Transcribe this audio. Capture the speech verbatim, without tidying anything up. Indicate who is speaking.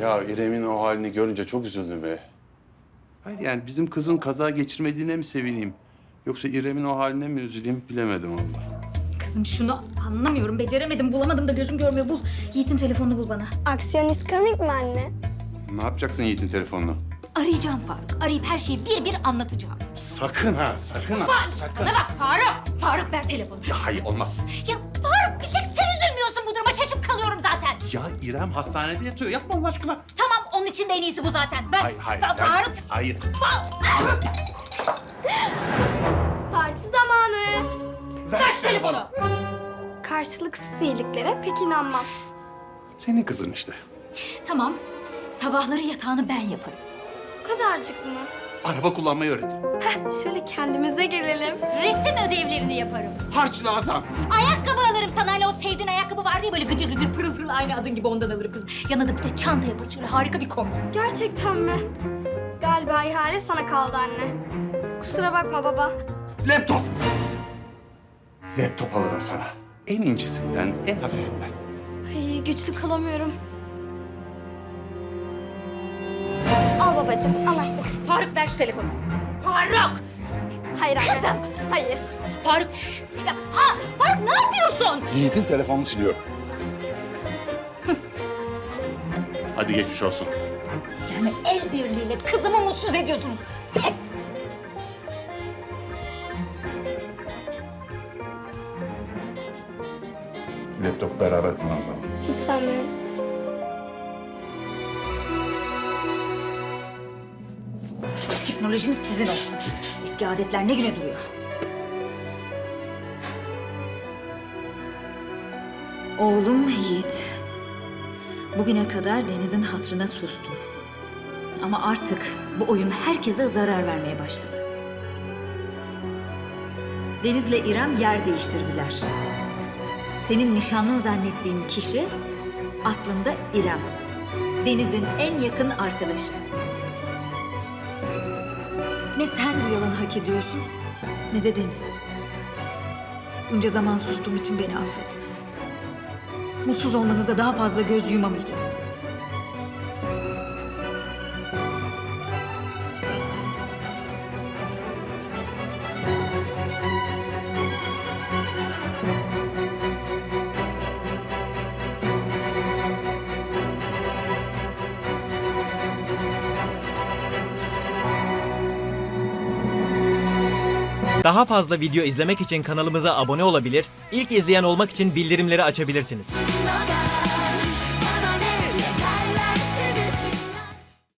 Speaker 1: Ya İrem'in o halini görünce çok üzüldüm be. Hayır yani bizim kızın kaza geçirmediğine mi sevineyim? Yoksa İrem'in o haline mi üzüleyim bilemedim vallahi.
Speaker 2: Kızım şunu anlamıyorum, beceremedim, bulamadım da gözüm görmüyor. Bul, Yiğit'in telefonunu bul bana.
Speaker 3: Aksiyonist komik mi anne?
Speaker 1: Ne yapacaksın Yiğit'in telefonunu?
Speaker 2: Arayacağım Faruk, arayıp her şeyi bir bir anlatacağım.
Speaker 1: Sakın ha, sakın ha,
Speaker 2: Faruk,
Speaker 1: sakın.
Speaker 2: bana bak Faruk. Faruk ver telefonu.
Speaker 1: Ya hayır olmaz.
Speaker 2: Ya Faruk bir tek sen üzülmüyorsun bu duruma, şaşıp kalıyorum zaten.
Speaker 1: Ya İrem hastanede yatıyor, yapma Allah aşkına.
Speaker 2: Tamam, onun için de en iyisi bu zaten. Ver.
Speaker 1: Hayır, hayır.
Speaker 2: Fa-
Speaker 1: hayır,
Speaker 2: Faruk.
Speaker 1: Hayır.
Speaker 3: Parti zamanı.
Speaker 2: Ver şu telefonu.
Speaker 3: Karşılıksız iyiliklere pek inanmam.
Speaker 1: Senin kızın işte.
Speaker 2: Tamam, sabahları yatağını ben yaparım.
Speaker 3: Bu kadarcık mı?
Speaker 1: Araba kullanmayı öğretin.
Speaker 3: Heh, şöyle kendimize gelelim.
Speaker 2: Resim ödevlerini yaparım.
Speaker 1: Harç lazım.
Speaker 2: Ayakkabı alırım sana, hani o sevdiğin ayakkabı vardı ya böyle gıcır gıcır pırıl pırıl, aynı adın gibi, ondan alırım kızım. Yanına da bir de çanta yaparız, şöyle harika bir kombi.
Speaker 3: Gerçekten mi? Galiba ihale sana kaldı anne. Kusura bakma baba.
Speaker 1: Laptop. Laptop alırım sana. En incesinden, en hafifinden.
Speaker 3: Ay, güçlü kalamıyorum. Al babacığım, anlaştık.
Speaker 2: Faruk ver şu telefonu. Faruk!
Speaker 3: Hayır anne.
Speaker 2: Kızım!
Speaker 3: Hayır.
Speaker 2: Faruk! Ya, ha, Faruk ne yapıyorsun?
Speaker 1: Yiğit'in telefonunu siliyorum. Hadi geçmiş olsun.
Speaker 2: Yani el birliğiyle kızımı mutsuz ediyorsunuz. Pes!
Speaker 1: Laptop beraber kullanalım.
Speaker 3: Hiç sanmıyorum.
Speaker 2: Teknolojiniz sizin olsun. Eski adetler ne güne duruyor. Oğlum Yiğit, bugüne kadar Deniz'in hatırına sustum. Ama artık bu oyun herkese zarar vermeye başladı. Deniz'le İrem yer değiştirdiler. Senin nişanlın zannettiğin kişi aslında İrem. Deniz'in en yakın arkadaşı. Ne sen bu yalanı hak ediyorsun, ne de Deniz. Bunca zaman sustuğum için beni affet. Mutsuz olmanıza daha fazla göz yumamayacağım.
Speaker 4: Daha fazla video izlemek için kanalımıza abone olabilir, ilk izleyen olmak için bildirimleri açabilirsiniz.